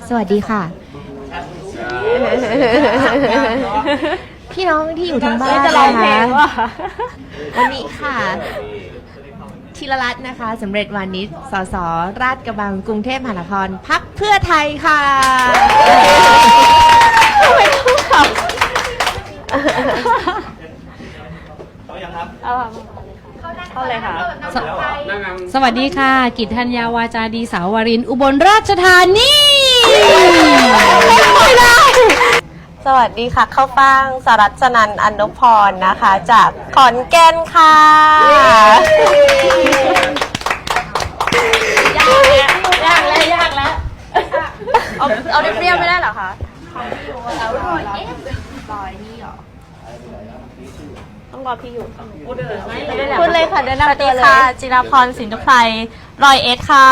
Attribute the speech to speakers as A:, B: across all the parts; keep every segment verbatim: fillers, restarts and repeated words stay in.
A: สวัสดีค่ะ พี่น้องที่อยู่ทางบ้านนะคะวันนี้ค่ะธีรรัตน์นะคะสำเร็จวานิชสสราชกระบังกรุงเทพมหานครพรรคเพื่อไทยค่ะไม่ต้องขับ
B: เขายังครับ
C: เอาเข้าเลยค่ะ
D: สวัสดีค่ะ กิตธัญญาวาจาดีสาววารินอุบลราชธานีไม่ได้
C: สวัสดีค่ะข้าวฟ่างสรัชนันท์อนุพรนะคะจากขอนแก่นค่ะยากแล้วยากแล้วยากแล้วเอาเอาเปรี้ยวไม่ได้เหรอคะเอาลอยเอ๊ะลอยนี่หรอต้องรอพี่อยู่พูดเลยค่ะเดินหน้าตัวเลยค่ะจิราพรสินทุไพรรอยเอสค่ะ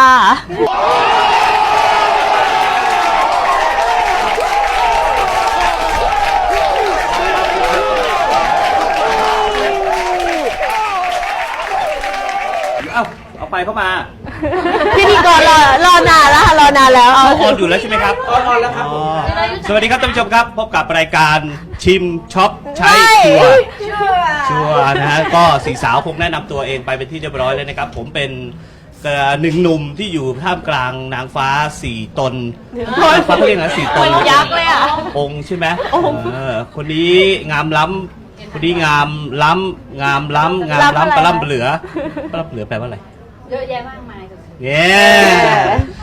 B: เอาเอาไปเข้ามา
C: พิธีกรรอรอนานแล้วค่ะรอนานแล้วเอา
B: ออนอยู่แล้วใช่ไหมครับออนแล้วครับสวัสดีครับท่านผู้ชมครับพบกับรายการชิมช็อปใช้ชัวร์ชัวร์นะฮะก็สี่สาวคงแนะนำตัวเองไปเป็นที่เรียบร้อยเลยนะครับผมเป็นหนึ่งหนุ่มที่อยู่ท่ามกลางนางฟ้าสี่ตนนางฟ้าเขาเรียกนะสี่ตน
C: ยักษ์เลยอ่ะ
B: องค์ใช่ไหมเออคนนี้งามล้ำคนนี้งามล้ำงามล้ำงามล้ำปลาล่ำเหลือปลาล่ำเหลือแปลว่าอะไรเยอะแยะมากมายเย้